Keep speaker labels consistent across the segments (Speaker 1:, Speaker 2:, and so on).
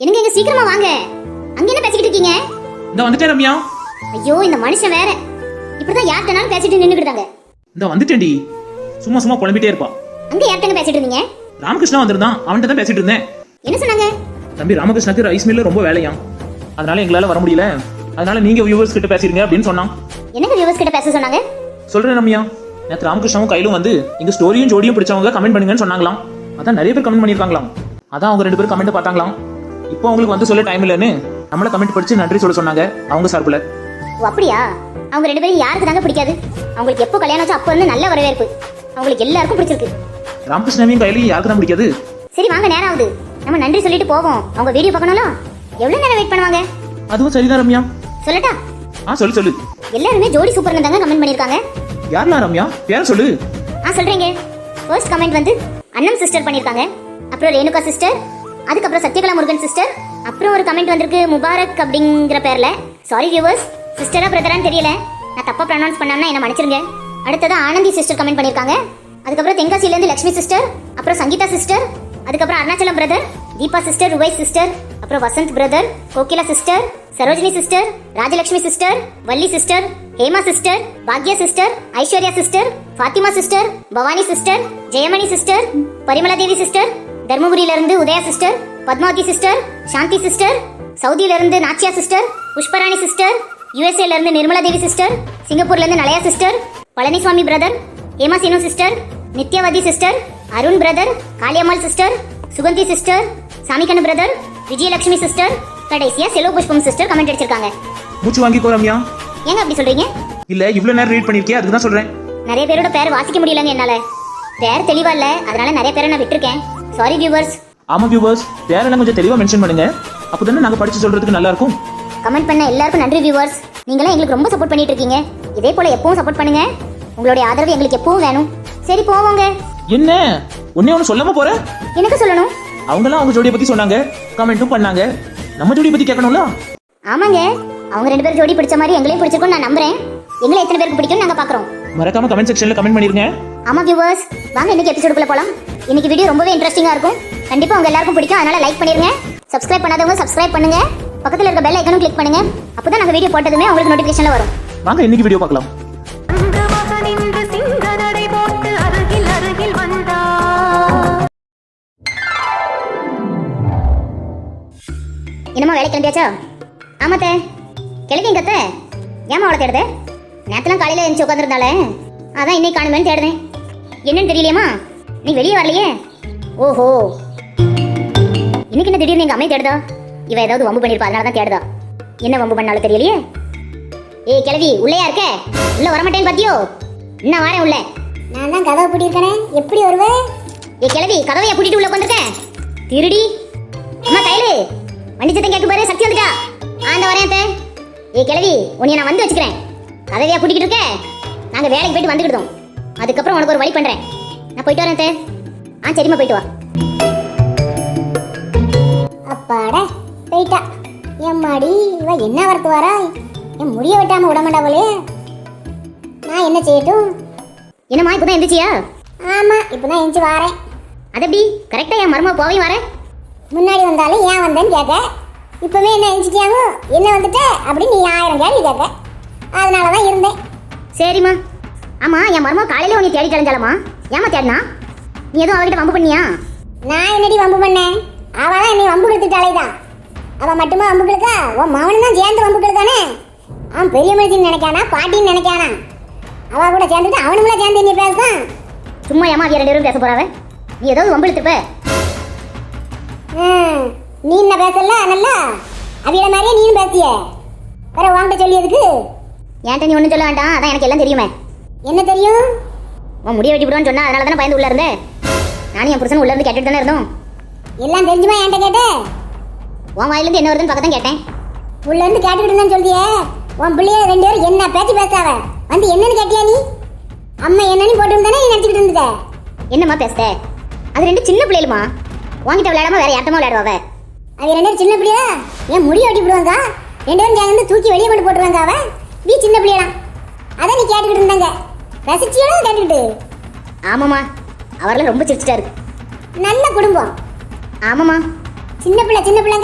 Speaker 1: என்னங்க இங்க சீக்கிரமா வாங்க. அங்க என்ன பேசிக்கிட்டு இருக்கீங்க?
Speaker 2: இந்த வந்துட்டேன் ரம்யா.
Speaker 1: ஐயோ இந்த மனுஷன் வேற இப்படிதான் யார்கிட்டனாலும் பேசிட்டு நின்னுக்கிட்டாங்க.
Speaker 2: இந்த வந்துட்டேன்டி. சும்மா சும்மா புலம்பிட்டே இருப்பா.
Speaker 1: அங்க யார்கிட்ட பேசிட்டு இருந்தீங்க?
Speaker 2: ராமகிருஷ்ணா வந்திருந்தான், அவன்கிட்ட தான் பேசிட்டு இருந்தேன்.
Speaker 1: என்ன சொன்னாங்க?
Speaker 2: தம்பி ராமகிருஷ்ணாக்கு ரைஸ் மில்ல ரொம்ப வேலையாம், அதனால எங்களால வர முடியல, அதனால நீங்க வியூவர்ஸ் கிட்ட பேசிருங்க அப்படின்னு சொன்னான்.
Speaker 1: என்னங்க வியூவர்ஸ் கிட்ட பேச சொன்னாங்க?
Speaker 2: சொல்றேன் ரம்யா, நேற்று ராமகிருஷ்ணாவும் கையிலும் வந்து எங்க ஸ்டோரியும் ஜோடியும் பிடிச்சவங்க கமெண்ட் பண்ணுங்கன்னு சொன்னாங்களாம். அதான் நிறைய பேர் கமெண்ட் பண்ணிருக்காங்களாம். அதான் அவங்க 2 பேரும் கமெண்ட் பார்த்தாங்களாம். இப்போ அவங்களுக்கு வந்து சொல்ல டைம் இல்லைன்னு நம்மள கமெண்ட் படிச்சு நன்றி சொல்ல சொன்னாங்க அவங்க சார்பில்.
Speaker 1: ஓ அப்படியா? அவங்க 2 பேரும் யாருக்கு தாங்க பிடிக்காது? அவங்களுக்கு எப்போ கல்யாணம் ஆச்சு அப்போ வந்து நல்ல வரவேற்பு, அவங்களுக்கு எல்லாருக்கும் பிடிச்சிருக்கு.
Speaker 2: ராமகிருஷ்ணாவையும் கையிலையும் யாருக்கு தான் பிடிக்காது?
Speaker 1: சரி வாங்க, நேரம் ஆகுது, நம்ம நன்றி சொல்லிட்டு போவோம். அவங்க வீடியோ பார்க்கணும்ல, எவ்வளவு நேரம் வெயிட் பண்ணுவாங்க?
Speaker 2: அதுவும் சரிதான் ரம்யா.
Speaker 1: சொல்லட்டா?
Speaker 2: சொல்லு சொல்லு.
Speaker 1: எல்லாருமே ஜோடி சூப்பர்னு தாங்க கமெண்ட் பண்ணிருக்காங்க.
Speaker 2: யாரெல்லாம் ரம்யா? பேர சொல்லு.
Speaker 1: சொல்றீங்க. ஃபர்ஸ்ட் கமெண்ட் வந்து அண்ணம் சிஸ்டர் பண்ணிருக்காங்க, அப்புறம் ரேணுகா சிஸ்டர், அதுக்கப்புறம் சத்யகலா முருகன் சிஸ்டர், அப்புறம் ஒரு கமெண்ட் வந்திருக்கு முபாரக் அப்படிங்கிற பேர்ல. சாரி வியூவர்ஸ், சிஸ்டரா பிரதரான்னு தெரியல, நான் தப்பா ப்ரொனவுன்ஸ் பண்ணாமனா என்ன மன்னிச்சிருங்க. அடுத்தது ஆனந்தி சிஸ்டர் கமெண்ட் பண்ணிருக்காங்க, அதுக்கப்புறம் தென்காசில இருந்து லட்சுமி சிஸ்டர், அப்புறம் சங்கீதா சிஸ்டர், அதுக்கப்புறம் Arunachalam brother, Deepa sister, Ruvai sister, அப்புறம் Vasanth brother, Kokila sister, Sarojini sister, Rajalakshmi sister, Valli sister, Hema sister, பாக்யா sister, Aishwarya sister, Fathima sister, Bhavani sister, Jayamani sister, Parimala Devi sister, தர்மபுரியில இருந்து Udaya sister, Padmavathi sister, Shanthi sister, சவுதியில இருந்து நாச்சியா சிஸ்டர், புஷ்பராணி சிஸ்டர், யுஎஸ்ஏல இருந்து நிர்மலா தேவி சிஸ்டர், சிங்கப்பூர்ல இருந்து Nalaya sister, Palanisamy brother, Hema Seenu sister, Nithyavathi sister, Arun brother, Kaliammal sister, Suganthi sister, Samikannu brother, Vijayalakshmi sister, கடைசியா செலோ புஷ்பம் சிஸ்டர் கமெண்ட் அடிச்சிருக்காங்க.
Speaker 2: மூச்சு வாங்கிக்கோ ரம்யா.
Speaker 1: ஏங்க அப்படி சொல்றீங்க?
Speaker 2: இல்ல இவ்வளவு நேரம் ரீட் பண்ணிருக்கே, அதுக்கு தான் சொல்றேன்.
Speaker 1: நிறைய பேரோட பேர் வாசிக்க முடியலங்க என்னால, பேர் தெளிவா இல்ல, அதனால நிறைய பேரை நான் விட்டுருக்கேன். Sorry viewers.
Speaker 2: ஆமா வியூவர்ஸ், பேரெல்லாம் கொஞ்சம் தெளிவா மென்ஷன் பண்ணுங்க, அப்பதானே நாங்க படிச்சு சொல்றதுக்கு நல்லா இருக்கும்.
Speaker 1: கமெண்ட் பண்ண எல்லாருக்கும் நன்றி வியூவர்ஸ். நீங்களாம் எங்களுக்கு ரொம்ப சப்போர்ட் பண்ணிட்டு இருக்கீங்க, இதே போல எப்பவும் சப்போர்ட் பண்ணுங்க. உங்களுடைய ஆதரவு எங்களுக்கு எப்பவும் வேணும். சரி போவோங்க.
Speaker 2: என்ன ஒண்ணு சொல்லாம போற?
Speaker 1: எனக்கு சொல்லணும்.
Speaker 2: அவங்கலாம் அவங்க ஜோடியை பத்தி சொன்னாங்க, கமெண்ட்டும் பண்ணாங்க, நம்ம ஜோடியை பத்தி கேட்கணும்ல.
Speaker 1: ஆமாங்க, அவங்க 2 பேரும் ஜோடி பிடிச்ச மாதிரி எங்களையும் பிடிச்சிருக்கும் நான் நம்புறேன். எங்களை எத்தனை பேருக்கு பிடிக்கும் நாங்க பாக்குறோம்.
Speaker 2: மறக்காம கமெண்ட் செக்ஷன்ல கமெண்ட் பண்ணிருங்க.
Speaker 1: ஆமா வியூவர்ஸ், வாங்க இன்னைக்கு எபிசோடுக்குள்ள போலாம். இன்னைக்கு வீடியோ ரொம்பவே இன்ட்ரெஸ்டிங்கா இருக்கும், கண்டிப்பா உங்க எல்லாருக்கும் பிடிக்கும், அதனால லைக் பண்ணிருங்க. சப்ஸ்கிரைப் பண்ணாதவங்க சப்ஸ்கிரைப் பண்ணுங்க, பக்கத்துல இருக்க பெல் ஐகானும் கிளிக் பண்ணுங்க, அப்பதான் நாங்க வீடியோ போட்டதுமே உங்களுக்கு நோட்டிபிகேஷன்ல வரும்.
Speaker 2: வாங்க இன்னைக்கு வீடியோ பார்க்கலாம்.
Speaker 1: என்னமா வேலை கிளம்பியாச்சா? ஆமாத்த. கிளம்பிங்க அத்தை. ஏமா அவளை தேடுத? நேரத்துலாம் காலையில எழுந்து உட்காந்துருந்தாலே, அதான் இன்னைக்கு காணுமேன்னு தேடுதேன். என்னன்னு தெரியலையம்மா, நீ வெளியே வரலையே. ஓஹோ, இன்னைக்கு என்ன திடீர்னு எங்க அம்மையை தேடுதா? இவ ஏதாவது வம்பு பண்ணிருப்பா, அதனால தான் தேடுதா. என்ன வம்பு பண்ணாலும் தெரியலையே. ஏய் கிளவி, உள்ளேயா இருக்க? உள்ள வரமாட்டேன்னு பாத்தியோ? இன்னும் வரேன் உள்ள. நான் தான் கதவை பூட்டியிருக்கேனே, எப்படி வருவே? ஏய் கிளவி, கதவையா பூட்டிட்டு உள்ள உட்காந்துருக்க? திருடி. அம்மா கையில வண்டி சத்தம் கேட்க பாரு, சக்தி வந்துட்டா. ஆந்த வரேன் அத்தை. ஏய் கிளவி, உன்னை நான் வந்து வச்சுக்கிறேன். கதவையா பூட்டிக்கிட்டு இருக்க? நாங்க வேலைக்கு போயிட்டு வந்துக்கிட்டோம், அதுக்கப்புறம் உனக்கு ஒரு வழி பண்றேன். நான் போயிட்டு வரேன் அத்தை. சரிம்மா போயிட்டு வா.
Speaker 3: அப்பாடா போயிட்டா. என் மாடி இவ என்ன வரத்து வரா? என் முடிய வெட்டாம விட மாட்டாவளே. நான் என்ன செய்யட்டும்?
Speaker 1: என்னம்மா இப்பதான் எந்திரிச்சியா?
Speaker 3: ஆமா இப்பதான் எந்திரிச்சு வாரேன்.
Speaker 1: அது எப்படி கரெக்டா என் மருமக போவையும் வரேன்?
Speaker 3: முன்னாடி வந்தாலும் ஏன் வந்தேன்னு கேட்க, இப்பவே என்ன எந்திரிச்சிட்டியாங்க, என்ன வந்துட்ட அப்படின்னு நீ 1000 கேள்வி கேட்க, அதனாலதான் இருந்தேன்.
Speaker 1: சரிம்மா. ஆமா என் மருமக காலையில உன்னை தேடி கிளஞ்சாலம்மா, ஏமா தேடினா? நீ எதுவும் அவகிட்ட வம்பு பண்ணியா?
Speaker 3: நான் என்னடி வம்பு பண்ணேன்? அவதான் என்னை வம்பு கெடுத்துட்டாலேதான். அவ மட்டுமா வம்பு கெடுக்கா? உன் மவனும் தான் சேர்ந்து வம்பு கெடுக்கானே. அவன் பெரிய மனுஷன் நினைக்கானா பாட்டின்னு நினைக்கானா? அவ கூட சேர்ந்துட்டு அவனுங்கள சேர்ந்து நீ பேசுதான்.
Speaker 1: சும்மா ஏமா அவ 2 பேரும் பேச போறாவ? நீ ஏதாவது வம்பு எடுத்துப்ப.
Speaker 3: நீ என்ன பேசல நல்லா அவிய மாதிரியே நீயும் பேசிய. வேற வாங்கிட்ட சொல்லியதுக்கு
Speaker 1: ஏன்ட்ட நீ ஒன்றும் சொல்ல வேண்டாம், அதான் எனக்கு எல்லாம் தெரியுமே.
Speaker 3: என்ன தெரியும்?
Speaker 1: உன் முடிய வெட்டி விடுவான்னு சொன்னா, அதனால தானே பயந்து உள்ள இருந்தேன். நானும் என் புருஷன் உள்ள இருந்து கேட்டுட்டு தானே இருந்தோம்.
Speaker 3: எல்லாம் தெரிஞ்சுமா என்கிட்ட கேட்ட?
Speaker 1: உன் வாயிலிருந்து என்ன வருதுன்னு பக்கத்தான் கேட்டேன்.
Speaker 3: உள்ள இருந்து கேட்டுக்கிட்டு இருந்தான்னு சொல்லியே. உன் பிள்ளைய 2 பேரும் என்ன பேச்சு பேசாவ வந்து என்னன்னு கேட்டியா நீ? அம்மா என்னன்னு போட்டு நீ நினைச்சுக்கிட்டு இருந்துட்ட.
Speaker 1: என்னம்மா பேசுத? அது 2 சின்ன பிள்ளைகளுமா, வாங்கிட்ட விளையாடாம வேற யார்ட்டமா விளையாடுவாவ?
Speaker 3: அவ 2 பேரும் சின்ன பிள்ளையா? ஏன் முடிய வெட்டி விடுவாங்க, 2 பேரும் சேர்ந்து தூக்கி வெளியே கொண்டு போட்டுருவாங்க. அவ நீ சின்ன பிள்ளையலாம், அதான் நீ கேட்டுக்கிட்டு இருந்தாங்க. ரசிச்சியோட கேட்டுக்கிட்டு.
Speaker 1: ஆமாம்மா, அவரெல்லாம் ரொம்ப சிரிச்சிட்டாரு.
Speaker 3: நல்ல குடும்பம்.
Speaker 1: ஆமாம்மா,
Speaker 3: சின்ன பிள்ளைங்க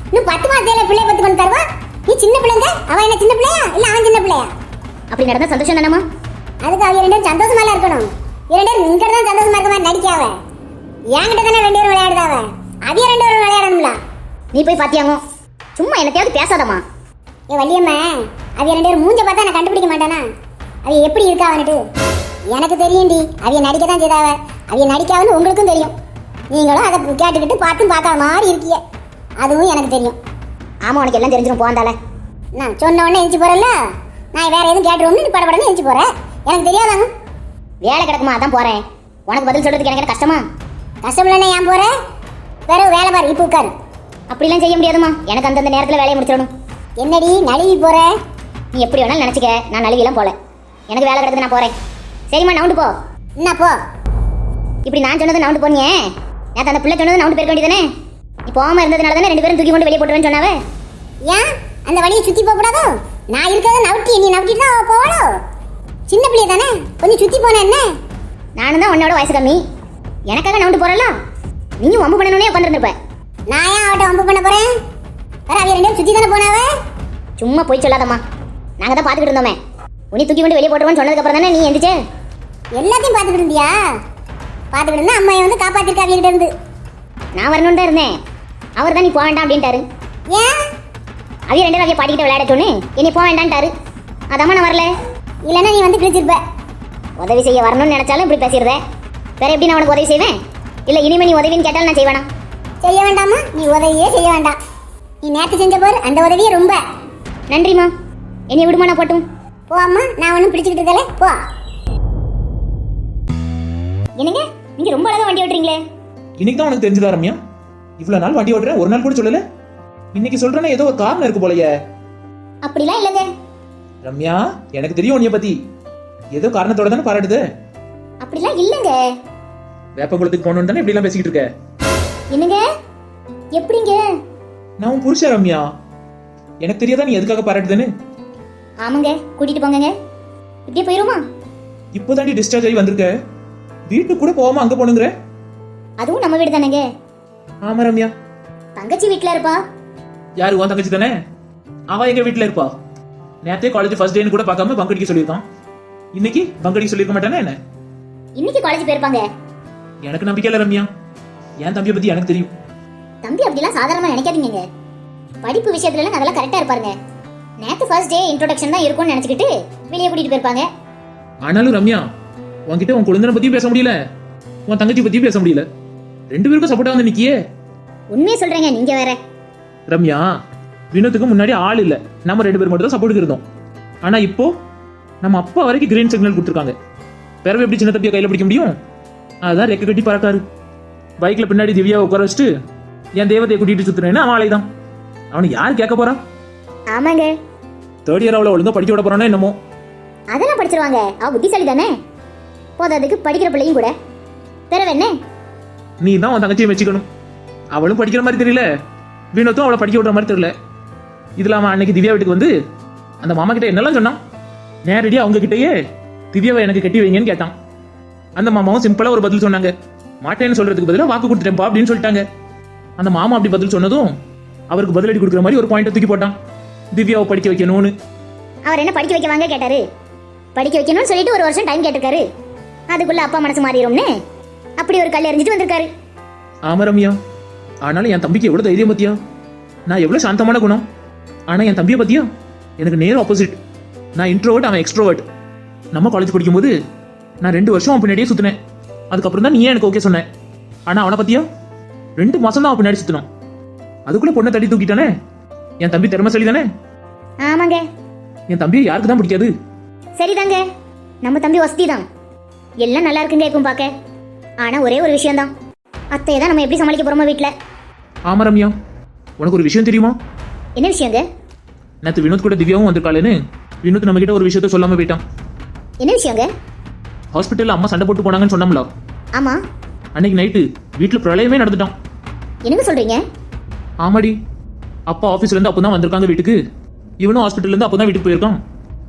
Speaker 3: இன்னும் 10 மாசத்துல பிள்ளை பத்து கொண்டு தருவா. நீ சின்ன பிள்ளைங்க, அவ என்ன சின்ன பிள்ளையா இல்ல அவன் சின்ன பிள்ளையா?
Speaker 1: அப்படி நடந்தா சந்தோஷம் தானம்மா?
Speaker 3: அதுக்கு அவங்க ரெண்டு பேரும் சந்தோஷமா இருக்கணும். இரண்டு பேரும் இங்க தான் சந்தோஷமா இருக்க மாதிரி நடிக்காவ. என்கிட்ட தானே ரெண்டு பேரும் விளையாடுதாவ, அவிய ரெண்டு பேரும் விளையாடணும்ல.
Speaker 1: நீ போய் பாத்தியாங்க? சும்மா என்னத்தையாவது பேசாதம்மா.
Speaker 3: ஏ வள்ளியம்மா, அவிய ரெண்டு பேரும் மூஞ்ச பார்த்தா நான் கண்டுபிடிக்க மாட்டானா? அவிய எப்படி இருக்காவன்னுட்டு எனக்கு தெரியும்டி. அவிய நடிக்க தான் செய்தாவ. அவிய நடிக்காவன்னு உங்களுக்கும் தெரியும். நீங்களும் அதை கேட்டுக்கிட்டு பார்த்தும் பார்க்காத மாதிரி இருக்கீங்க. அதுவும் எனக்கு தெரியும்.
Speaker 1: ஆமா, உனக்கு எல்லாம் தெரிஞ்சிடும் போந்தால.
Speaker 3: நான் சொன்ன உடனே எஞ்சி போறேன்ல, நான் வேற எதுவும் கேட்டுருவோம்னு நீ படப்படன்னு எஞ்சி போறேன். எனக்கு தெரியாதாங்க.
Speaker 1: வேலை கிடக்குமா, அதான் போறேன். உனக்கு பதில் சொல்றதுக்கு எனக்கு என்ன கஷ்டமா?
Speaker 3: கஷ்டம் இல்லைன்னா ஏன் போற? வேற வேலை பாரு, இப்போ உட்காரு.
Speaker 1: அப்படிலாம் செய்ய முடியாதுமா, எனக்கு அந்தந்த நேரத்தில் வேலையை முடிச்சிடணும்.
Speaker 3: என்னடி நழுவி போற?
Speaker 1: நீ எப்படி வேணாலும் நினச்சிக்க, நான் நழுவிலாம் போல. எனக்கு வேலை கிடக்குது, நான் போறேன். சரிம்மா, நவுண்டு போ.
Speaker 3: என்ன போ?
Speaker 1: இப்படி நான் சொன்னது நவுண்டு போனியே, நேற்று அந்த பிள்ளை சொன்னது நவுண்டு போயிருக்க வேண்டியதானே? நீ போகாம இருந்ததுனால தானே ரெண்டு பேரும் தூக்கி கொண்டு வெளியே போட்டுருவேன்னு சொன்னாவே.
Speaker 3: ஏன் அந்த வழியை சுத்தி போக கூடாதோ? நான் இருக்கிறத நவுட்டி நீ நவுட்டிட்டு தான் போவாளோ? சின்ன பிள்ளைய தானே, கொஞ்சம் சுத்தி போன என்ன?
Speaker 1: நானும் தான் உன்னோட வயசு கம்மி, எனக்காக நவுண்டு போறல. நீயும் வம்பு பண்ணணும்னே உட்காந்துருப்ப.
Speaker 3: நான் ஏன் அவட்ட வம்பு பண்ண போறேன்? வேற அவ ரெண்டு பேரும் சுத்தி தானே போனாவ.
Speaker 1: சும்மா போய் சொல்லாதம்மா, நாங்க தான் பார்த்துக்கிட்டு இருந்தோமே. உன்னை தூக்கி கொண்டு வெளியே போட்டுருவோன்னு சொன்னதுக்கு அப்புறம் தானே நீ எந்திரிச்சே.
Speaker 3: எல்லாத்தையும் பார்த்துக்கிட்டு இருந்தியா? பார்த்துக்கிட்டு இருந்தா அம்மா வந்து காப்பாத்திருக்கா அவகிட்ட இருந்து.
Speaker 1: நான் வரணும்னு தான் இருந்தேன், அவர் தான் நீ போக வேண்டாம் அப்படின்ட்டாரு.
Speaker 3: ஏன்?
Speaker 1: அவைய ரெண்டு வகையை பாடிக்கிட்ட விளையாட சொன்னு என்னை போக வேண்டான்ட்டாரு. அதாம்மா நான் வரல.
Speaker 3: இல்லைன்னா நீ வந்து கிழிச்சிருப்ப.
Speaker 1: உதவி செய்ய வரணும்னு நினைச்சாலும் இப்படி பேசிடுறேன். வேற எப்படி நான் உனக்கு உதவி செய்வேன்? இல்லை இனிமே நீ உதவின்னு கேட்டாலும் நான் செய்வேனா?
Speaker 3: செய்ய வேண்டாமா? நீ உதவியே செய்ய வேண்டாம். நீ நேற்று செஞ்ச போர் அந்த உதவியே ரொம்ப.
Speaker 1: நன்றிம்மா, என்னை விடுமா, நான் போட்டும்.
Speaker 3: போ அம்மா, நான் ஒன்றும் பிடிச்சிக்கிட்டு இருக்கல, போ.
Speaker 1: என்னங்க நீங்க ரொம்ப அழகா வண்டி ஓட்டுறீங்களே.
Speaker 2: இன்னைக்கு தான் உனக்கு தெரிஞ்சதா ரம்யா? இவ்வளவு நாள் வண்டி ஓட்டுறேன், ஒரு நாள் கூட சொல்லல. இன்னைக்கு சொல்றேன்னா ஏதோ ஒரு காரணம் இருக்கு போலயே.
Speaker 1: அப்படிலாம் இல்லைங்க.
Speaker 2: ரம்யா, எனக்கு தெரியும் உன்னைய பத்தி. ஏதோ காரணத்தோட தானே பாராட்டுது.
Speaker 1: அப்படிலாம் இல்லைங்க.
Speaker 2: வேப்பங்குளத்துக்கு போகணும்னு தானே இப்படி எல்லாம் பேசிக்கிட்டு இருக்க?
Speaker 1: என்னங்க எப்படிங்க?
Speaker 2: நான் உன் புருஷன் ரம்யா, எனக்கு தெரியாதா நீ எதுக்காக பாராட்டுதுன்னு?
Speaker 1: ஆமாங்க, கூட்டிட்டு போங்கங்க. இப்படியே போயிருமா?
Speaker 2: இப்போதாண்டி டிஸ்சார்ஜ் ஆகி வந்திருக்க, வீட்டுக்கு கூட போகாம அங்க போனுங்கிற.
Speaker 1: அதுவும் நம்ம வீடு தானேங்க.
Speaker 2: ஆமா ரம்யா.
Speaker 1: தங்கச்சி வீட்டுல இருப்பா.
Speaker 2: யாரு உன் தங்கச்சி தானே? அவ எங்க வீட்டுல இருப்பா. நேத்தே காலேஜ் ஃபர்ஸ்ட் டேன்னு கூட பார்க்காம பங்க் அடிக்க சொல்லியிருக்கான். இன்னைக்கு பங்க் அடிக்க சொல்லியிருக்க மாட்டானே என்ன?
Speaker 1: இன்னைக்கு காலேஜ் போயிருப்பாங்க.
Speaker 2: எனக்கு நம்பிக்கை இல்ல ரம்யா, என் தம்பியை பத்தி எனக்கு தெரியும்.
Speaker 1: தம்பி அப்படிலாம் சாதாரணமா நினைக்காதீங்க. படிப்பு விஷயத்துல அதெல்லாம் கரெக்டா இருப்பாருங்க. நேத்து ஃபர்ஸ்ட் டே இன்ட்ரோடக்ஷன் தான் இருக்கும்னு நினைச்சுக்கிட்டு வெளியே கூட்டிட்டு போயிருப்பாங்க.
Speaker 2: ஆனாலும் ரம்யா, உன்கிட்ட உன் குழந்தை பத்தியும் பேச முடியல, உன் தங்கச்சி பத்தியும் பேச முடியல. ரெண்டு பேருக்கும் சப்போர்ட்டா வந்து நிக்கியே.
Speaker 1: உண்மையை சொல்றேங்க, நீங்க வேற.
Speaker 2: ரம்யா, வினோத்துக்கு முன்னாடி ஆள் இல்ல, நம்ம ரெண்டு பேர் மட்டும் தான் சப்போர்ட்டுக்கு இருந்தோம். ஆனா இப்போ நம்ம அப்பா வரைக்கும் கிரீன் சிக்னல் கொடுத்துருக்காங்க. பிறகு எப்படி சின்ன தம்பியை கையில பிடிக்க முடியும்? அதுதான் ரெக்க கட்டி பறக்காரு. பைக்ல பின்னாடி திவ்யா உட்கார வச்சுட்டு என் தேவதையை கூட்டிட்டு சுத்துறேன்னு அவன் ஆளை தான். அவனை யார் கேட்க போறா?
Speaker 1: ஆமாங்க,
Speaker 2: தேர்ட் இயர் அவளை ஒழுங்கா படிக்க விட போறானோ என்னமோ.
Speaker 1: அதெல்லாம் படிச்சிருவாங்க, அவ புத்திசாலி தானே. போதாதுக்கு படிக்கிற பிள்ளையும் கூட. பிறகு என்ன?
Speaker 2: நீ தான் உன் தங்கச்சியை வச்சுக்கணும். அவளும் படிக்கிற மாதிரி தெரியல, வினோத்தும் அவளை படிக்க விடுற மாதிரி தெரியல. இதுல அவன் அன்னைக்கு திவ்யா வீட்டுக்கு வந்து அந்த மாமா கிட்ட என்னெல்லாம் சொன்னான். நேரடியா அவங்க கிட்டயே திவ்யாவை எனக்கு கட்டி வைங்கன்னு கேட்டான். அந்த மாமாவும் சிம்பிளா ஒரு பதில் சொன்னாங்க. மாட்டேன்னு சொல்றதுக்கு பதிலாக வாக்கு கொடுத்துட்டேன்ப்பா அப்படின்னு சொல்லிட்டாங்க. அந்த மாமா அப்படி பதில் சொன்னதும் அவருக்கு பதிலடி கொடுக்குற மாதிரி ஒரு பாயிண்ட் தூக்கி போட்டான். திவ்யாவை படிக்க வைக்கணும்னு.
Speaker 1: அவர் என்ன படிக்க வைக்க வாங்க கேட்டாரு? படிக்க வைக்கணும்னு சொல்லிட்டு ஒரு வருஷம் டைம் கேட்டிருக்காரு. அதுக்குள்ள அப்பா மனசு மாறிடும்னு அப்படி ஒரு கல் எறிஞ்சிட்டு வந்திருக்காரு.
Speaker 2: ஆமா ரம்யா, ஆனாலும் என் தம்பிக்கு எவ்வளவு தைரியம் பத்தியா? நான் எவ்வளவு சாந்தமான குணம். ஆனா என் தம்பியை பத்தியா எனக்கு நேர் ஆப்போசிட். நான் இன்ட்ரோவர்ட், அவன் எக்ஸ்ட்ரோவர்ட். நம்ம காலேஜ் படிக்கும்போது நான் 2 வருஷம் அவன் பின்னாடியே சுத்தினேன். அதுக்கப்புறம் தான் நீ எனக்கு ஓகே சொன்னேன். ஆனா அவனை பத்தியா 2 மாசம் தான் அவன் பின்னாடி சுத்தினான். அதுக்குள்ள பொண்ணை தட்டி தூக்கிட்டானே. என் தம்பி திறமைசாலி தானே?
Speaker 1: ஆமாங்க.
Speaker 2: என் தம்பியை யாருக்கு தான் பிடிக்காது?
Speaker 1: சரிதாங்க, நம்ம தம்பி வசதி தான். எல்லாம் நல்லா இருக்குங்க இருக்கும் பார்க்க. ஆனா ஒரே ஒரு விஷயம் தான், அத்தையை தான் நம்ம எப்படி சமாளிக்க போறோமா வீட்டுல.
Speaker 2: ஆமா ரம்யா, உனக்கு ஒரு விஷயம் தெரியுமா?
Speaker 1: என்ன விஷயங்க?
Speaker 2: நேற்று வினோத் கூட திவ்யாவும் வந்திருக்காளேன்னு வினோத் நம்ம கிட்ட ஒரு விஷயத்த சொல்லாம போயிட்டான்.
Speaker 1: என்ன விஷயங்க?
Speaker 2: ஹாஸ்பிட்டல்ல அம்மா சண்டை போட்டு போனாங்கன்னு சொன்னோம்ல.
Speaker 1: ஆமா.
Speaker 2: அன்னைக்கு நைட்டு வீட்டுல பிரளயமே நடந்துட்டான்.
Speaker 1: என்னங்க சொல்றீங்க?
Speaker 2: ஆமாடி, அப்பா ஆபீஸ்ல இருந்து அப்பதான் வந்திருக்காங்க வீட்டுக்கு. இவனும் ஹாஸ்பிட்டல்ல இருந்து அப்பதான் வீட்டுக்கு போயிருக்கான்.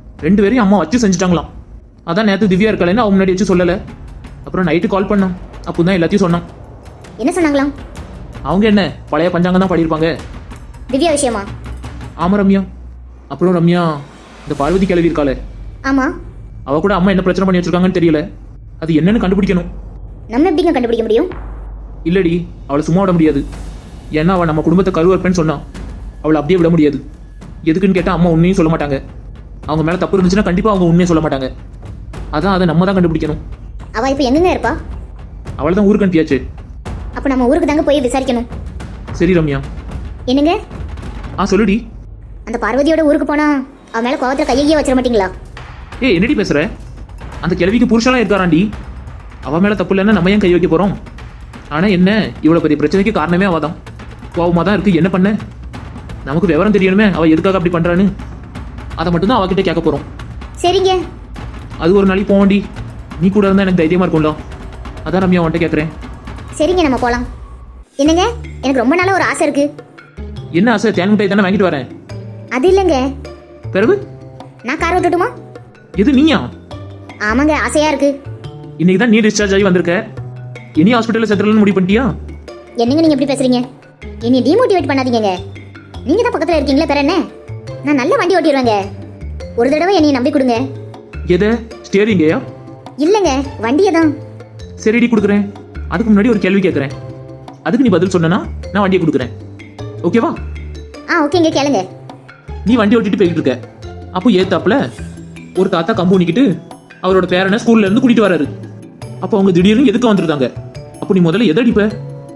Speaker 2: 2 பேரையும் அம்மா வச்சு செஞ்சுட்டாங்களாம். அதான் நேற்று திவ்யா இருக்காளேன்னு அவன் முன்னாடி வச்சு சொல்லல. அப்புறம் நைட்டு கால் பண்ணான், அப்போதான் எல்லாத்தையும் சொன்னான்.
Speaker 1: என்ன சொன்னாங்களாம்?
Speaker 2: அவங்க என்ன பழைய பஞ்சாங்கம் தான் பாடியிருப்பாங்க.
Speaker 1: திவ்யா விஷயமா?
Speaker 2: ஆமா ரம்யா. அப்புறம் ரம்யா, இந்த பார்வதி கிளவி இருக்காளே,
Speaker 1: ஆமாம்.
Speaker 2: அவ கூட அம்மா என்ன பிரச்சனை பண்ணி வச்சிருக்காங்கன்னு தெரியல. அது என்னன்னு கண்டுபிடிக்கணும்.
Speaker 1: நம்ம எப்படிங்க கண்டுபிடிக்க முடியும்?
Speaker 2: இல்லடி, அவளை சும்மா விட முடியாது. ஏன்னா அவள் நம்ம குடும்பத்தை கருவறுப்பேன்னு சொன்னான். அவளை அப்படியே விட முடியாது. எதுக்குன்னு கேட்டால் அம்மா உண்மையும் சொல்ல மாட்டாங்க. அவங்க மேலே தப்பு இருந்துச்சுன்னா கண்டிப்பாக அவங்க உண்மையை சொல்ல மாட்டாங்க. அதான் அதை நம்ம தான் கண்டுபிடிக்கணும்.
Speaker 1: அவள் இப்போ எங்கங்க இருப்பா?
Speaker 2: அவளை தான் ஊருக்கு அனுப்பியாச்சு.
Speaker 1: அப்போ நம்ம ஊருக்கு தாங்க போய் விசாரிக்கணும்.
Speaker 2: சரி ரம்யா.
Speaker 1: என்னங்க?
Speaker 2: சொல்லுடி.
Speaker 1: அந்த பார்வதியோட ஊருக்கு போனா அவன் மேலே கோவத்தில் கையையே வச்சிட மாட்டீங்களா?
Speaker 2: என்னடி பேசுற? அந்த கிழவிக்கு புருஷன்லாம் இருக்காராண்டி. அவன் மேலே தப்பு இல்லைன்னா நம்ம ஏன் கை வைக்க போகிறோம்? ஆனால் என்ன, இவ்வளோ பெரிய பிரச்சனைக்கு காரணமே அவள் தான். கோவமாக தான் இருக்குது. என்ன பண்ண? நமக்கு விவரம் தெரியணுமே அவள் எதுக்காக அப்படி பண்ணுறான்னு. அதை மட்டும்தான் அவகிட்ட கேட்க போகிறோம்.
Speaker 1: சரிங்க.
Speaker 2: அது ஒரு நாளைக்கு போவோண்டி. நீ கூட இருந்தால் எனக்கு தைரியமாக இருக்கும்ல. அதான் ரம்யா உன்ட்ட கேட்குறேன்.
Speaker 1: சரிங்க, நம்ம போகலாம். என்னங்க, எனக்கு ரொம்ப நாளாக ஒரு ஆசை இருக்கு.
Speaker 2: என்ன ஆசை? தேன் மிட்டாய் தானே வாங்கிட்டு வரேன்.
Speaker 1: அது இல்லைங்க.
Speaker 2: பிறகு
Speaker 1: நான் கார் ஓட்டட்டுமா?
Speaker 2: எது நீயா?
Speaker 1: ஆமாங்க, ஆசையாக இருக்கு.
Speaker 2: இன்னைக்கு தான் நீ டிஸ்சார்ஜ் ஆகி வந்திருக்க. இனி ஹாஸ்பிட்டலில் செத்துறதுன்னு முடிவு பண்ணிட்டியா?
Speaker 1: என்னங்க நீங்கள் எப்படி பேசுறீங்க? என்னை டிமோட்டிவேட் பண்ணாதீங்க. நீங்கள் தான் பக்கத்தில் இருக்கீங்களே, பேர் என்ன? நான் நல்ல வண்டி ஓட்டிடுவேங்க. ஒரு தடவை என்னையை நம்பி கொடுங்க.
Speaker 2: எதை? ஸ்டேரிங்கையா?
Speaker 1: இல்லைங்க, வண்டியை தான்.
Speaker 2: சரிடி, கொடுக்குறேன். அதுக்கு முன்னாடி ஒரு கேள்வி கேட்குறேன். அதுக்கு நீ பதில் சொன்னா நான் வண்டியை கொடுக்குறேன். ஓகேவா?
Speaker 1: ஓகேங்க, கேளுங்க.
Speaker 2: நீ வண்டி ஓட்டிட்டு போய்கிட்டு இருக்க. அப்போ ஏத்தாப்புல ஒரு தாத்தா கம்பு ஊனிக்கிட்டு அவரோட பேரனை ஸ்கூல்ல இருந்து கூட்டிட்டு வராரு. அப்போ அவங்க திடீர்னு எதுக்கு வந்துருந்தாங்க? அப்போ நீ முதல்ல எதை அடிப்ப?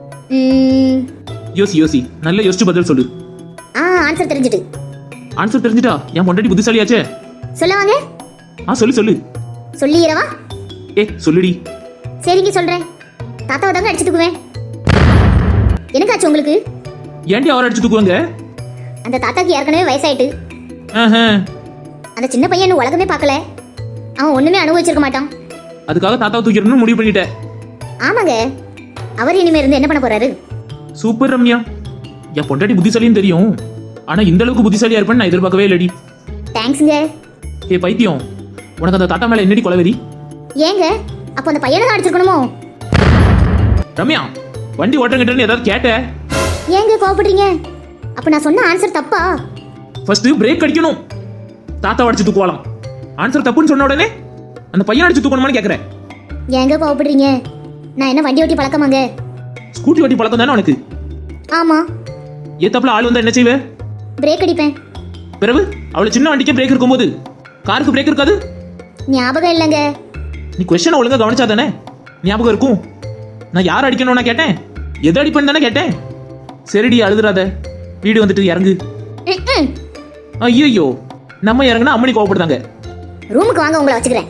Speaker 2: யோசி, நல்லா யோசிச்சு பதில் சொல்லு.
Speaker 1: ஆன்சர் தெரிஞ்சுட்டு.
Speaker 2: ஆன்சர் தெரிஞ்சுட்டா? என் பொண்டாட்டி புத்திசாலியாச்சே.
Speaker 1: சொல்லுவாங்க.
Speaker 2: சொல்லு.
Speaker 1: சொல்லிடுறவா?
Speaker 2: சொல்லுடி.
Speaker 1: சரிங்க, சொல்றேன். தாத்தாவை தாங்க அடிச்சு தூக்குவேன். எனக்காச்சு உங்களுக்கு?
Speaker 2: ஏன்டி அவரை அடிச்சு தூக்குவாங்க?
Speaker 1: அந்த தாத்தாக்கு ஏற்கனவே வயசாயிட்டு. அந்த சின்ன பையன் உலகமே பார்க்கல. அவன் ஒண்ணுமே அனுபவிச்சிருக்க மாட்டான்.
Speaker 2: அதுக்காக தாத்தாவை தூக்கிடணும்னு முடிவு பண்ணிட்டேன்.
Speaker 1: ஆமாங்க. அவர் இனிமே இருந்து என்ன பண்ண போறாரு?
Speaker 2: சூப்பர் ரம்யா. என் பொண்டாட்டி புத்திசாலின்னு தெரியும். ஆனா இந்த அளவுக்கு புத்திசாலியா இருப்பேன்னு நான் எதிர்பார்க்கவே இல்லடி.
Speaker 1: தேங்க்ஸ்ங்க.
Speaker 2: பைத்தியம், உனக்கு அந்த தாத்தா மேல என்னடி கொலவெறி?
Speaker 1: ஏங்க, அப்போ அந்த பையனை தான் அடிச்சிருக்கணுமோ?
Speaker 2: ரம்யா, வண்டி ஓட்டுறங்கிட்டன்னு ஏதாவது கேட்ட?
Speaker 1: ஏங்க கோவப்படுறீங்க? அப்ப நான் சொன்ன ஆன்சர் தப்பா?
Speaker 2: ஃபர்ஸ்ட் பிரேக் அடிக்கணும். தாத்தா அடிச்சு தூக்குவாலாம். ஆன்சர் தப்புன்னு சொன்ன உடனே அந்த பையன் அடிச்சு தூக்கணுமான்னு கேட்குறேன்.
Speaker 1: ஏங்க கோவப்படுறீங்க? நான் என்ன வண்டி ஓட்டி பழக்கமாங்க?
Speaker 2: ஸ்கூட்டி ஓட்டி பழக்கம் தானே உனக்கு?
Speaker 1: ஆமா.
Speaker 2: ஏத்தாப்புல ஆள் வந்தா என்ன செய்வே?
Speaker 1: பிரேக் அடிப்பேன்.
Speaker 2: பிறகு அவளை சின்ன வண்டிக்கு பிரேக் இருக்கும்போது காருக்கு பிரேக் இருக்காது?
Speaker 1: ஞாபகம் இல்லைங்க.
Speaker 2: நீ கொஸ்டினை ஒழுங்கா கவனிச்சா தானே ஞாபகம் இருக்கும். நான் யார் அடிக்கணும்னா கேட்டேன், எது அடிப்பேன்னு தானே கேட்டேன். சரிடி, அழுதுறாத. வீடு வந்துட்டு இறங்கு. ஐயோ, நம்ம இறங்குனா அம்மனி கோவப்படுதாங்க.
Speaker 1: ரூமுக்கு வாங்க, உங்களை வச்சுக்கிறேன்.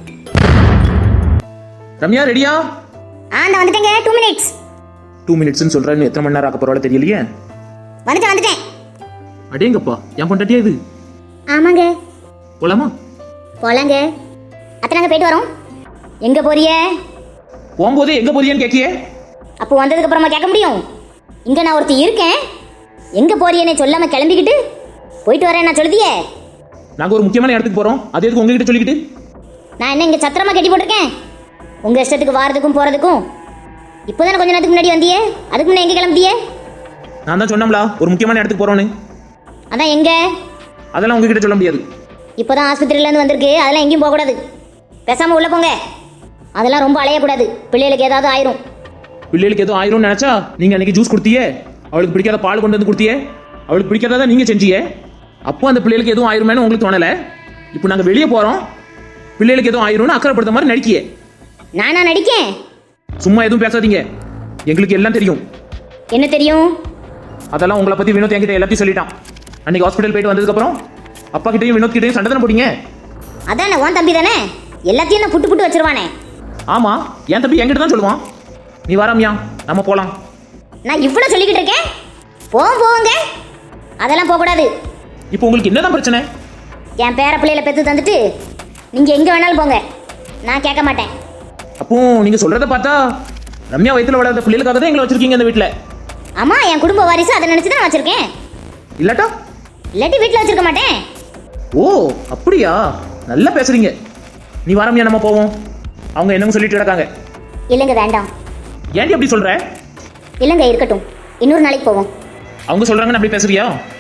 Speaker 2: ரம்யா, ரெடியா?
Speaker 1: நான் வந்துட்டேங்க. 2 minutes.
Speaker 2: 2 minutes சொல்றேன்னு எத்தனை மணி நேரம் ஆக்க போறாளோ தெரியலையே.
Speaker 1: வந்துட்டேன்.
Speaker 2: அடேங்கப்பா, என் பொண்டாட்டியா இது?
Speaker 1: ஆமாங்க.
Speaker 2: போலாமா?
Speaker 1: போலாங்க. அத்தனாங்க போயிட்டு வரோம். எங்க போறிய?
Speaker 2: போகும்போதே எங்க போறியன்னு கேட்கியே.
Speaker 1: அப்போ வந்ததுக்கு அப்புறமா கேட்க முடியும்? இங்க நான் ஒருத்தி இருக்கேன். எங்க போறியன்னு சொல்லாம கிளம்பிக்கிட்டு போயிட்டு வரேன் நான் சொல்லுதியே.
Speaker 2: நாங்க ஒரு முக்கியமான இடத்துக்கு போறோம். அது எதுக்கு உங்ககிட்ட சொல்லிக்கிட்டு?
Speaker 1: நான் என்ன இங்க சத்திரமா கட்டி போட்டிருக்கேன்? உங்க இஷ்டத்துக்கு வாரதுக்கும் போறதுக்கும். இப்போதானே கொஞ்ச நேரத்துக்கு முன்னாடி வந்தியே. அதுக்கு முன்னாடி எங்க கிளம்பியே?
Speaker 2: நான் தான் சொன்னோம்ல ஒரு முக்கியமான இடத்துக்கு போறோன்னு.
Speaker 1: அதான் எங்க?
Speaker 2: அதெல்லாம் உங்ககிட்ட சொல்ல முடியாது.
Speaker 1: இப்போதான் ஆஸ்பத்திரியில இருந்து வந்திருக்கு. அதெல்லாம் எங்கேயும் போக கூடாது. பேசாம உள்ள போங்க. அதெல்லாம் ரொம்ப அலையக்கூடாது. பிள்ளைகளுக்கு ஏதாவது ஆயிரும்.
Speaker 2: பிள்ளைகளுக்கு எதுவும் ஆயிரும்னு நினைச்சா நீங்க அன்னைக்கு ஜூஸ் கொடுத்தியே, அவளுக்கு பிடிக்காத பால் கொண்டு வந்து கொடுத்தியே, அவளுக்கு பிடிக்காததான் நீங்க செஞ்சியே. அப்போ அந்த பிள்ளைகளுக்கு எதுவும் ஆயிருமேனு உங்களுக்கு தோணல. இப்போ நாங்க வெளியே போறோம், பிள்ளைகளுக்கு எதுவும் ஆயிரும்னு அக்கறைப்படுத்த மாதிரி நடிக்கியே.
Speaker 1: நானா நடிக்கேன்?
Speaker 2: சும்மா எதுவும் பேசாதீங்க. எங்களுக்கு எல்லாம் தெரியும்.
Speaker 1: என்ன தெரியும்?
Speaker 2: அதெல்லாம் உங்களை பத்தி வினோத் என்கிட்ட எல்லாத்தையும் சொல்லிட்டான். அன்னைக்கு ஹாஸ்பிட்டல் போயிட்டு வந்ததுக்கு அப்புறம் அப்பா கிட்டையும் வினோத் கிட்டையும் சண்டை தானே போட்டீங்க.
Speaker 1: அதானே உன் தம்பி தானே எல்லாத்தையும் நான் புட்டு வச்சிருவானே.
Speaker 2: ஆமா, என் தம்பி என்கிட்ட தான் சொல்லுவான். நீ வராமியா, நம்ம போலாம்.
Speaker 1: நான் இவ்வளவு சொல்லிக்கிட்டு இருக்கேன். போங்க. அதெல்லாம் போக கூடாது.
Speaker 2: இப்போ உங்களுக்கு என்னதான் பிரச்சனை?
Speaker 1: என் பேர பிள்ளையில பெத்து தந்துட்டு நீங்க எங்க வேணாலும் போங்க. நான் கேட்க மாட்டேன்.
Speaker 2: அப்போ நீங்க சொல்றத பார்த்தா ரம்யா வயித்துல வளர்ந்த பிள்ளைகளுக்காக தான் எங்களை வச்சிருக்கீங்க இந்த வீட்டுல.
Speaker 1: ஆமா, என் குடும்ப வாரிசு அதை நினைச்சு தான் வச்சிருக்கேன். இல்லாட்டி வீட்டுல வச்சிருக்க மாட்டேன்.
Speaker 2: ஓ அப்படியா, நல்லா பேசுறீங்க. நீ வரமியா, நம்ம போவோம். அவங்க என்னங்க சொல்லிட்டு இருக்காங்க.
Speaker 1: இல்லைங்க, வேண்டாம்.
Speaker 2: ஏன்டி அப்படி சொல்ற?
Speaker 1: இல்லைங்க, இருக்கட்டும். இன்னொரு நாளைக்கு போவோம்.
Speaker 2: அவங்க சொல்றாங்கன்னு அப்படி பேசுறியா?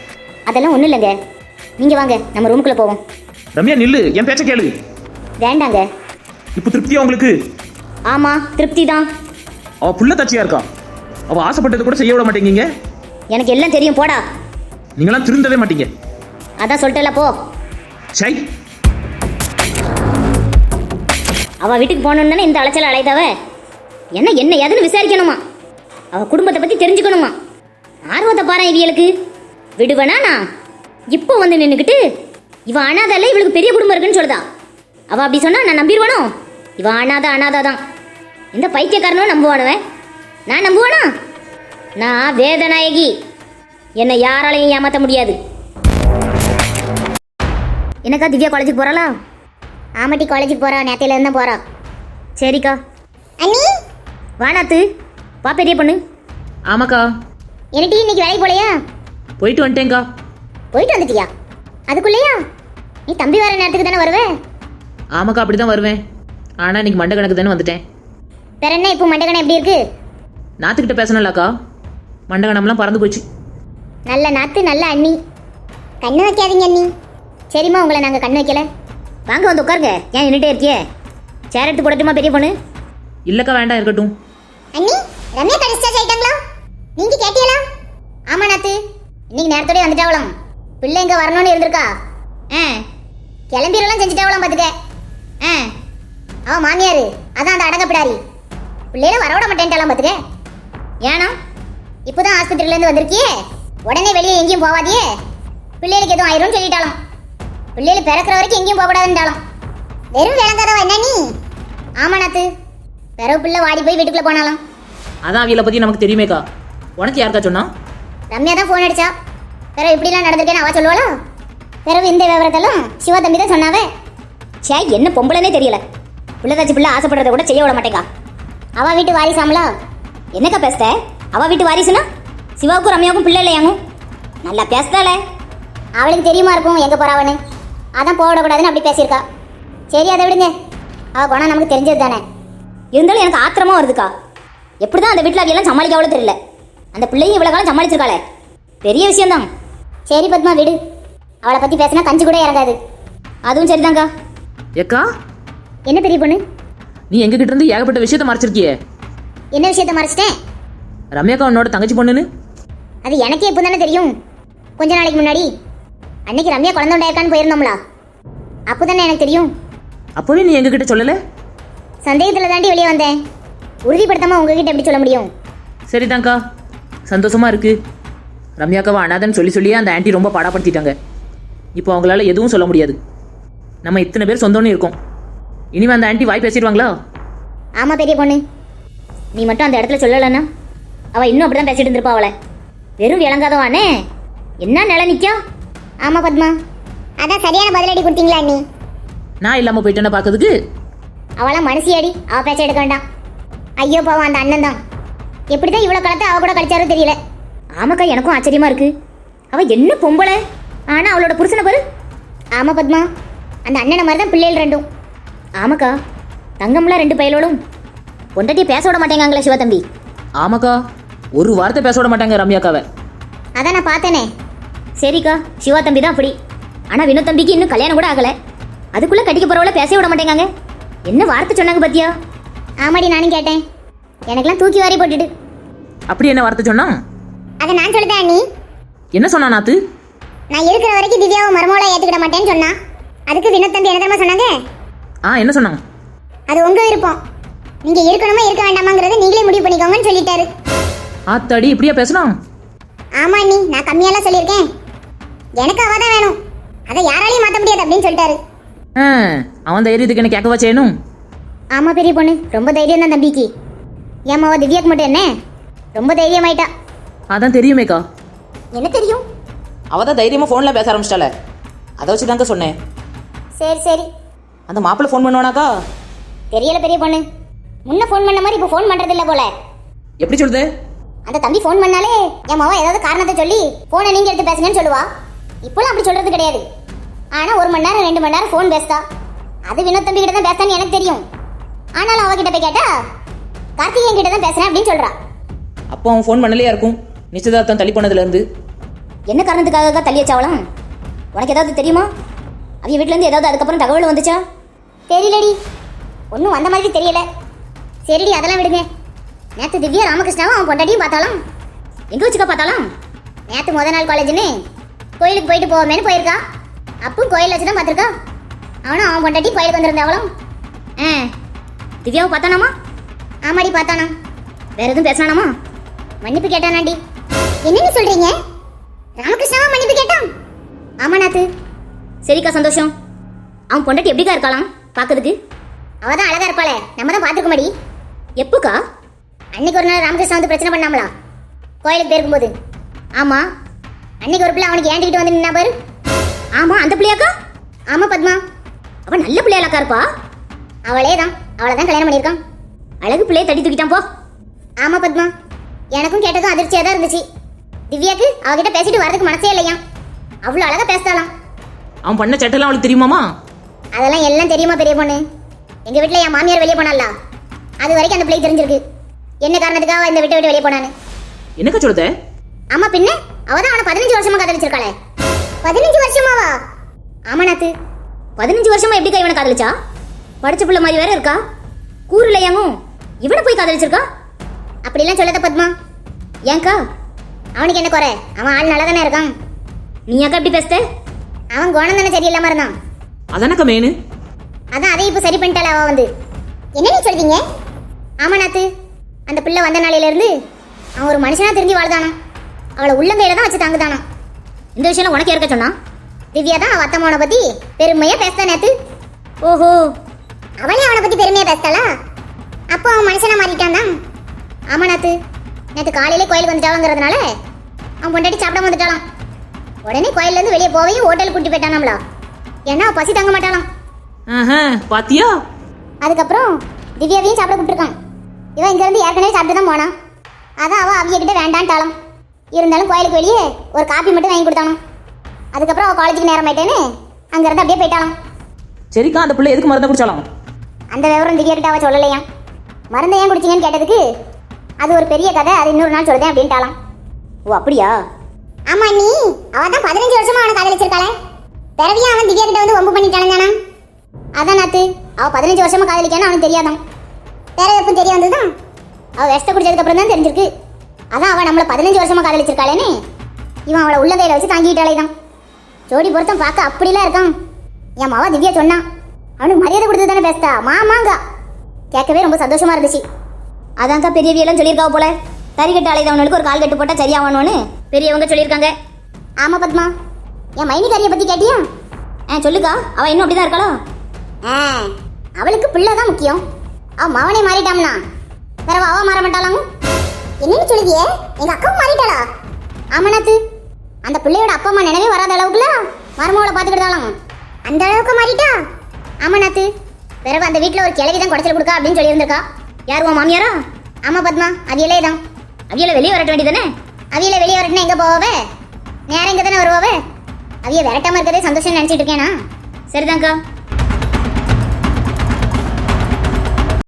Speaker 1: அதெல்லாம் ஒன்றும் இல்லைங்க. நீங்கள் வாங்க, நம்ம ரூமுக்குள்ளே போவோம்.
Speaker 2: ரம்யா நில்லு, என் பேச்ச கேளு.
Speaker 1: வேண்டாங்க.
Speaker 2: இப்போ திருப்தியா உங்களுக்கு?
Speaker 1: ஆமாம், திருப்தி தான்.
Speaker 2: அவ புள்ள தச்சியா இருக்கா. அவ ஆசைப்பட்டது கூட செய்ய விட மாட்டேங்கீங்க.
Speaker 1: எனக்கு எல்லாம் தெரியும், போடா.
Speaker 2: நீங்களாம் திருந்தவே மாட்டீங்க.
Speaker 1: அதான் சொல்லிட்டல, போ.
Speaker 2: சை,
Speaker 1: அவள் வீட்டுக்கு போகணுன்னு இந்த அலைச்சல் அலைதவ என்ன ஏதுன்னு விசாரிக்கணுமா? அவள் குடும்பத்தை பற்றி தெரிஞ்சுக்கணுமா? ஆர்வத்தை பாரு இவளுக்கு. விடுவேனா நான்? இப்போ வந்து நின்றுக்கிட்டு இவன் அனாதால இவளுக்கு பெரிய குடும்பம் இருக்குன்னு சொல்லுதா. அவள் அப்படி சொன்னா நான் நம்பிடுவானோ? இவன் அனாதா தான். இந்த பைத்தியக்காரனும் நம்புவானுவன். நான் நம்புவானா? நான் வேதநாயகி. என்னை யாராலையும் ஏமாற்ற முடியாது. என்னக்கா திவ்யா காலேஜுக்கு போகிறாளா? ஆமாட்டி, காலேஜுக்கு போகிறா. நேற்றையிலேருந்து தான் போகிறா. சரிக்கா.
Speaker 3: அண்ணி
Speaker 1: வானாத்து, வா பெரிய பொண்ணு.
Speaker 2: ஆமாக்கா.
Speaker 1: என்னட்டி இன்னைக்கு வேலைக்கு போலையா?
Speaker 2: போயிட்டு வந்துட்டேங்க்கா.
Speaker 1: போயிட்டு வந்துட்டியா? அதுக்குள்ளேயா? நீ தம்பி வர நேரத்துக்கு தானே வருவே?
Speaker 2: ஆமாக்கா, அப்படி தான் வருவேன். ஆனால் இன்னைக்கு மண்டை கணக்கு தானே வந்துட்டேன்.
Speaker 1: வேற என்ன இப்போ மண்டகணம் எப்படி இருக்கு?
Speaker 2: நாத்துக்கிட்ட பேசணும்லக்கா, மண்டை கணம்லாம் பறந்து போச்சு.
Speaker 1: நல்ல நாத்து, நல்ல அண்ணி. கண்ணு வைக்காதீங்க அண்ணி. சரிம்மா, உங்களை நாங்கள் கண்ணு வைக்கல. வாங்க வந்து உட்காருங்க. ஏன் நின்றுட்டே இருக்கியே? சேர் எடுத்து போடட்டுமா பெரிய பொண்ணு?
Speaker 2: இல்லைக்கா, வேண்டாம், இருக்கட்டும்.
Speaker 3: அண்ணி ரம்யா டிஸ்சார்ஜ் ஆயிட்டாங்களா? நீங்க கேட்டீங்களா?
Speaker 1: ஆமா நாத்து, இன்னைக்கு நேரத்தோடய வந்துட்டாவலாம். பிள்ளை இங்கே வரணும்னு இருந்திருக்கா. கிளம்பிடலாம் செஞ்சுட்டாவலாம் பார்த்துக்க. அவன் மாமியார் அதான் அந்த அடங்கப்பிடாரி. பிள்ளையில வரவிட மாட்டேன்ட்டாலாம் பார்த்துக்க. ஏன்னா இப்போதான் ஆஸ்பத்திரியிலேருந்து வந்திருக்கியே, உடனே வெளியே எங்கேயும் போவாதியே. பிள்ளைகளுக்கு எதுவும் ஆயிரும்னு சொல்லிட்டாலும். பிள்ளைகள் பிறக்கிற வரைக்கும் எங்கேயும் போகக்கூடாதுன்றாலும்.
Speaker 3: வெறும் விளங்காதவா என்ன நீ?
Speaker 1: ஆமா நாத்து, பிறகு பிள்ளை வாடி போய் வீட்டுக்குள்ளே போனாலும்.
Speaker 2: அதான் அவளை பற்றி நமக்கு தெரியுமேக்கா. உனக்கு யாருக்கா சொன்னா?
Speaker 1: ரம்யா தான் ஃபோன் அடிச்சா. பிறகு இப்படிலாம் நடந்திருக்கேன்னு அவ சொல்லுவாளா? பிறகு இந்த விவரத்தெல்லாம் சிவா தம்பி தான் சொன்னாவே. சே, என்ன பொம்பளைனே தெரியல. பிள்ளை தாச்சி பிள்ளை ஆசைப்படுறத கூட செய்ய விட மாட்டேங்கா. அவ வீட்டு வாரிசாமலா? என்னக்கா பேசுத? அவ வீட்டு வாரிசுனா சிவாவுக்கும் ரம்யாவுக்கும் பிள்ளை இல்லையாங்கும். நல்லா பேசுதால. அவளுக்கு தெரியுமா இருக்கும் எங்கே போறாவன்னு. அதான் போக விடக்கூடாதுன்னு அப்படி பேசியிருக்கா. சரி, அதை விடுங்க. அவள் குணம் நமக்கு தெரிஞ்சது தானே. இருந்தாலும் எனக்கு ஆத்திரமா வருதுக்கா. எப்படி தான் அந்த வீட்டில் அவையெல்லாம் சமாளிக்க தெரியல. அந்த பிள்ளையும் இவ்வளோ காலம் சமாளிச்சிருக்காளே, பெரிய விஷயம்தான். சரி பத்மா, விடு. அவளை பற்றி பேசினா கஞ்சி கூட இறங்காது. அதுவும் சரிதாங்க்கா.
Speaker 2: ஏக்கா,
Speaker 1: என்ன பெரிய பொண்ணு?
Speaker 2: நீ எங்ககிட்ட இருந்து ஏகப்பட்ட விஷயத்த மறைச்சிருக்கியே.
Speaker 1: என்ன விஷயத்த மறைச்சிட்டேன்?
Speaker 2: ரம்யாக்கா உன்னோட தங்கச்சி பொண்ணுன்னு.
Speaker 1: அது எனக்கே இப்போ தானே தெரியும். கொஞ்ச நாளைக்கு முன்னாடி அன்னைக்கு ரம்யா குழந்தை உண்டாயிருக்கான்னு போயிருந்தோம்லா, அப்போ தானே எனக்கு தெரியும்.
Speaker 2: அப்போவே நீ எங்ககிட்ட சொல்லலை?
Speaker 1: சந்தேகத்தில் தாண்டி வெளியே வந்தேன். உறுதிப்படுத்தாமல் உங்ககிட்ட எப்படி சொல்ல முடியும்?
Speaker 2: சரிதாங்க்கா, சந்தோஷமா இருக்கு. ரம்யாக்காவை அனாதன்னு சொல்லியே அந்த ஆண்டி ரொம்ப பாடாப்படுத்திட்டாங்க. இப்போ அவங்களால எதுவும் சொல்ல முடியாது. நம்ம இத்தனை பேர் சொந்தம்னு இருக்கோம். இனிமே அந்த ஆண்டி வாய் பேசிடுவாங்களா?
Speaker 1: ஆமாம் பெரிய பொண்ணு, நீ மட்டும் அந்த இடத்துல சொல்லலைன்னா அவள் இன்னும் அப்படி தான் பேசிட்டு இருந்திருப்பா. அவளை வெறும் விளங்காதவானே என்ன நிலை நிற்கா.
Speaker 3: ஆமா பத்மா, அதான் சரியான பதிலடி கொடுத்தீங்களா அண்ணி?
Speaker 2: நான் இல்லாமல் போயிட்டேன்னா பார்க்கறதுக்கு.
Speaker 1: அவளாம் மனசியாடி, அவள் பேச்ச எடுக்க வேண்டாம். ஐயோ பாவம், அந்த அண்ணன் தான் எப்படி தான் இவ்வளோ காலத்தை அவள் கூட கழிச்சாரோ தெரியல. ஆமாக்கா, எனக்கும் ஆச்சரியமா இருக்கு. அவள் என்ன பொம்பளை, ஆனால் அவளோட புருஷனை பாரு. ஆமாம் பத்மா, அந்த அண்ணனை மாதிரி தான் பிள்ளைகள் ரெண்டும். ஆமாக்கா, தங்கம்லாம் 2 பையலோடும் பொண்டாட்டியை பேச விட மாட்டேங்காங்களே சிவா தம்பி.
Speaker 2: ஆமாக்கா, ஒரு வார்த்தை பேச விட மாட்டாங்க ரம்யாக்காவை.
Speaker 1: அதான் நான் பார்த்தேனே. சரிக்கா, சிவா தம்பி தான் அப்படி. ஆனால் வினோத் தம்பிக்கு இன்னும் கல்யாணம் கூட ஆகலை. அதுக்குள்ளே கட்டிக்க போகிறவள பேச விட மாட்டேங்காங்க. என்ன வார்த்தை சொன்னாங்க பத்தியா? ஆமாடி, நானும் கேட்டேன். எனக்கெல்லாம் தூக்கி வாரி போட்டுட்டு.
Speaker 2: அப்படி என்ன வார்த்தை சொன்னா?
Speaker 3: அதை நான் சொல்லிட்டேன் அண்ணி.
Speaker 2: என்ன சொன்னா நாத்து?
Speaker 3: நான் இருக்கிற வரைக்கும் திவ்யாவை மருமகளை ஏற்றுக்கிட மாட்டேன்னு சொன்னா. அதுக்கு வினோத் தம்பி என்ன தெரியுமா சொன்னாங்க?
Speaker 2: என்ன சொன்னாங்க?
Speaker 3: அது உங்க விருப்பம், நீங்க இருக்கணுமா இருக்க வேண்டாமாங்கிறத நீங்களே முடிவு பண்ணிக்கோங்கன்னு சொல்லிட்டாரு.
Speaker 2: ஆத்தாடி, இப்படியா பேசணும்?
Speaker 3: ஆமா அண்ணி, நான் கம்மியாலாம் சொல்லியிருக்கேன். எனக்கு அவ தான் வேணும், அதை யாராலையும் மாற்ற முடியாது அப்படின்னு சொல்லிட்டாரு.
Speaker 2: அவன் தைரியத்துக்கு என்ன கேட்கவா செய்யணும்?
Speaker 1: ஆமாம் பெரிய பொண்ணு, ரொம்ப தைரியம் தான் தம்பிக்கு. ஏமாவா திவ்யாக்கு மட்டும் என்ன ரொம்ப தைரியமாயிட்டா.
Speaker 2: அதான் தெரியுமேக்கா.
Speaker 1: என்ன தெரியும்?
Speaker 2: அவள் தான் தைரியமாக ஃபோனில் பேச ஆரம்பிச்சிட்டால, அதை வச்சு தாங்க சொன்னேன்.
Speaker 1: சரி சரி.
Speaker 2: அந்த மாப்பிள்ளை ஃபோன் பண்ணுவானாக்கா?
Speaker 1: தெரியல பெரிய பொண்ணு, முன்ன ஃபோன் பண்ண மாதிரி இப்போ ஃபோன் பண்ணுறது இல்லை போல.
Speaker 2: எப்படி சொல்லுது?
Speaker 1: அந்த தம்பி ஃபோன் பண்ணாலே என் மாவா ஏதாவது காரணத்தை சொல்லி ஃபோனை நீங்கள் எடுத்து பேசுங்கன்னு சொல்லுவா. இப்போலாம் அப்படி சொல்கிறது கிடையாது. ஆனால் 1 மணி நேரம் 2 மணி நேரம் ஃபோன் பேசுதா. அது வினோத் தம்பி கிட்ட தான் பேசான்னு எனக்கு தெரியும். ஆனாலும் அவகிட்ட போய் கேட்டா கார்த்திகேயன் கிட்ட தான் பேசுகிறேன் அப்படின்னு சொல்கிறா.
Speaker 2: அப்போ அவன் ஃபோன் பண்ணலையா இருக்கும், நிச்சயதார்த்தம் தள்ளி போனதுலேருந்து.
Speaker 1: என்ன காரணத்துக்காக தள்ளி வச்சாவலாம்? உனக்கு ஏதாவது தெரியுமா? அவங்க வீட்டிலேருந்து ஏதாவது அதுக்கப்புறம் தகவல் வந்துச்சா? தெரியலடி, ஒன்றும் வந்த மாதிரி தெரியல. சரிடி, அதெல்லாம் விடுங்க. நேற்று திவ்யா ராமகிருஷ்ணாவும் அவன் பொண்டாட்டியும் பார்த்தாலாம். எங்கே வச்சுக்கா பார்த்தாலாம்? நேற்று முத நாள் காலேஜ்னு கோயிலுக்கு போயிட்டு போவோமேனு போயிருக்கா. அப்பவும் கோயில் வச்சு தான் பார்த்துருக்கா. அவனும் அவன் பொண்டாட்டி கோயிலுக்கு வந்திருந்தாவளும். திவ்யாவை பார்த்தானாமா? ஆமாடி பார்த்தானா. வேற எதுவும் பேசினானாமா? மன்னிப்பு கேட்டானாண்டி. என்னன்னு சொல்றீங்க? ராமகிருஷ்ணாவா மன்னிப்பு கேட்டான்? ஆமா நாத்து. சரிக்கா, சந்தோஷம். அவன் பொண்டாட்டி எப்படிக்கா இருக்காளாம் பார்க்கறதுக்கு? அவ தான் அழகா இருப்பாளே, நம்ம தான் பார்த்துருக்க மாடி. எப்போக்கா? அன்னைக்கு ஒரு நாள் ராமகிருஷ்ணா வந்து பிரச்சனை பண்ணாமலா கோயிலுக்கு போயிருக்கும்போது? ஆமா, அன்னைக்கு ஒரு பிள்ளை அவனுக்கு ஏண்டிக்கிட்டு வந்து நின்னா பாரு. ஆமா, அந்த பிள்ளையாக்கா? ஆமா பத்மா, அவன் நல்ல பிள்ளையாக்கா இருப்பா. அவளே தான், அவளை தான் கல்யாணம் பண்ணியிருக்கான். அழகு பிள்ளையை தட்டி தூக்கிட்டான் போ. ஆமா பத்மா, எனக்கும் கேட்டதும் அதிர்ச்சியாக தான் இருந்துச்சு. திவ்யாக்கு அவகிட்ட பேசிட்டு வரதுக்கு மனசே இல்லையா. அவ்வளோ அழகா பேசலாம்.
Speaker 2: அவன் பண்ண சட்டெல்லாம் அவளுக்கு தெரியுமாமா?
Speaker 1: அதெல்லாம் எல்லாம் தெரியுமா பெரிய பொண்ணு? எங்க வீட்டில் என் மாமியார் வெளியே போனால, அது வரைக்கும் அந்த பிள்ளைக்கு தெரிஞ்சிருக்கு என்ன காரணத்துக்காக இந்த விட்டு வெளியே போனான்னு.
Speaker 2: என்னக்கா சொல்லுத?
Speaker 1: ஆமா பின்ன, அவதான் அவனை 15 வருஷமா காதலிச்சிருக்காளே. 15 வருஷமாவா? ஆமா நாத்து, 15 வருஷமா எப்படிக்கா இவனை காதலிச்சா? படிச்ச பிள்ளை மாதிரி வேற இருக்கா. கூறு இல்லையாங்கும் இவனை போய் காதலிச்சிருக்கா? அப்படிலாம் சொல்லாத பத்மா. ஏன்க்கா? அவனுக்கு என்ன குறை? அவன் ஆள் நல்லா தானே இருக்கான். நீ அக்கா இப்படி பேசுத? அவன் குணம் தானே சரியில்லாம இருந்தான்.
Speaker 2: அதானக்கா மேனு.
Speaker 1: அதான் அதை இப்போ சரி பண்ணிட்டாள அவ வந்து. என்ன நீ சொல்றீங்க? ஆமா நாத்து, அந்த பிள்ளை வந்த நாளையில இருந்து அவன் ஒரு மனுஷனா தெரிஞ்சு வாழ்தானா. அவளை உள்ளங்கையில தான் வச்சு தாங்குதானா. இந்த விஷயம் உனக்கு இருக்க சொன்னா? திவ்யா தான் அவ அத்தம்மாவனை பத்தி பெருமையா பேசுதா நேத்து. ஓஹோ, அவளே அவனை பத்தி பெருமையா பேசுதாளா? அப்போ அவன் மனுஷனா மாறிட்டான் தான். ஆமா நாத்து, நேற்று காலையிலே கோயிலுக்கு வந்துட்டாங்கிறதுனால அவன் பொண்டாட்டி சாப்பிடாம வந்துட்டாலாம். உடனே கோயில்ல இருந்து வெளியே போவையும் ஹோட்டலுக்கு கூட்டி போயிட்டானாம்ல. ஏன்னா அவ பசி தாங்க மாட்டாளாம்.
Speaker 2: பாத்தியா?
Speaker 1: அதுக்கப்புறம் திவ்யாவையும் சாப்பிட கூப்பிட்டுருக்கான். இவன் இங்க இருந்து ஏற்கனவே சாப்பிட்டு தான் போனான். அதான் அவ அவிய கிட்ட வேண்டான்ட்டாலும். இருந்தாலும் கோயிலுக்கு வெளியே ஒரு காப்பி மட்டும் வாங்கி கொடுத்தானோ. அதுக்கப்புறம் அவள் காலேஜுக்கு நேரம் ஆயிட்டேன்னு அங்கேருந்து அப்படியே போயிட்டாலாம்.
Speaker 2: சரிக்கா, அந்த பிள்ளை எதுக்கு மருந்து குடிச்சாலும்?
Speaker 1: அந்த விவரம் திவ்யா கிட்ட அவ சொல்லலையா. மருந்தை ஏன் குடிச்சிங்கன்னு கேட்டதுக்கு அது ஒரு பெரிய கதை, அது இன்னொரு நாள் சொல்லுதேன் அப்படின்ட்டாலாம். ஓ அப்படியா? ஆமா நீ, அவ தான் 15 வருஷமா அவனை காதலிச்சிருக்காளே. பிறவியா அவன் திவ்யா கிட்ட வந்து வம்பு பண்ணிட்டானா? அதான் நாத்து, அவ 15 வருஷமா காதலிக்கான்னு அவனுக்கு தெரியாதான். வேற எப்போ தெரிய வந்ததுதான் அவ விஷத்தை குடிச்சதுக்கு அப்புறம் தான் தெரிஞ்சிருக்கு. அதான் அவன் நம்மள 15 வருஷமா காதலிச்சிருக்காளேன்னு இவன் அவளை உள்ளங்கையில வச்சு தாங்கிட்டாலே தான். ஜோடி பொருத்தம் பார்க்க அப்படிலாம் இருக்கான். என் மாவா திவ்யா சொன்னான். அவனுக்கு மரியாதை கொடுத்து தானே பேசுதா மாமாங்க. கேட்கவே ரொம்ப சந்தோஷமா இருந்துச்சு. அதான்க்கா பெரியவியெல்லாம் சொல்லியிருக்காவ போல. தறிக்கட்டு அலைதவனுக்கு ஒரு கால் கட்டு போட்டால் சரியாகணும்னு பெரியவங்க சொல்லியிருக்காங்க. ஆமா பத்மா, என் மைனிகாரியை பத்தி கேட்டியா? சொல்லுக்கா, அவ இன்னும் அப்படிதான் இருக்காளா? அவளுக்கு பிள்ளை தான் முக்கியம். அவ மவனே மாறிட்டாம்னா வேற அவ மாற மாட்டாளாங்க. என்னன்னு சொல்லுதியே, எங்க அக்காவும் மாறிட்டாளா? ஆமாண்ணாத்து, அந்த பிள்ளையோட அப்பா அம்மா நினைவே வராத அளவுக்குல மருமகளை பார்த்துக்கிட்டாலாம். அந்த அளவுக்கு மாறிட்டா? ஆமாண்ணாத்து, வேற அந்த வீட்டில் ஒரு கிழவி தான் குடைச்சல் கொடுக்கா அப்படின்னு சொல்லியிருந்திருக்கா. யார் உன் மாமியாரா? ஆமா பத்மா, அவியலே தான். அவியலை வெளியே வரட்ட வேண்டியதானே? அவியலை வெளியே வரட்டுனா எங்க போவாவே? நேரம் இங்கே தானே வருவாவே. அவிய விரட்டாம இருக்கதே சந்தோஷம் நினைச்சிட்டு இருக்கேனா? சரிதான்க்கா.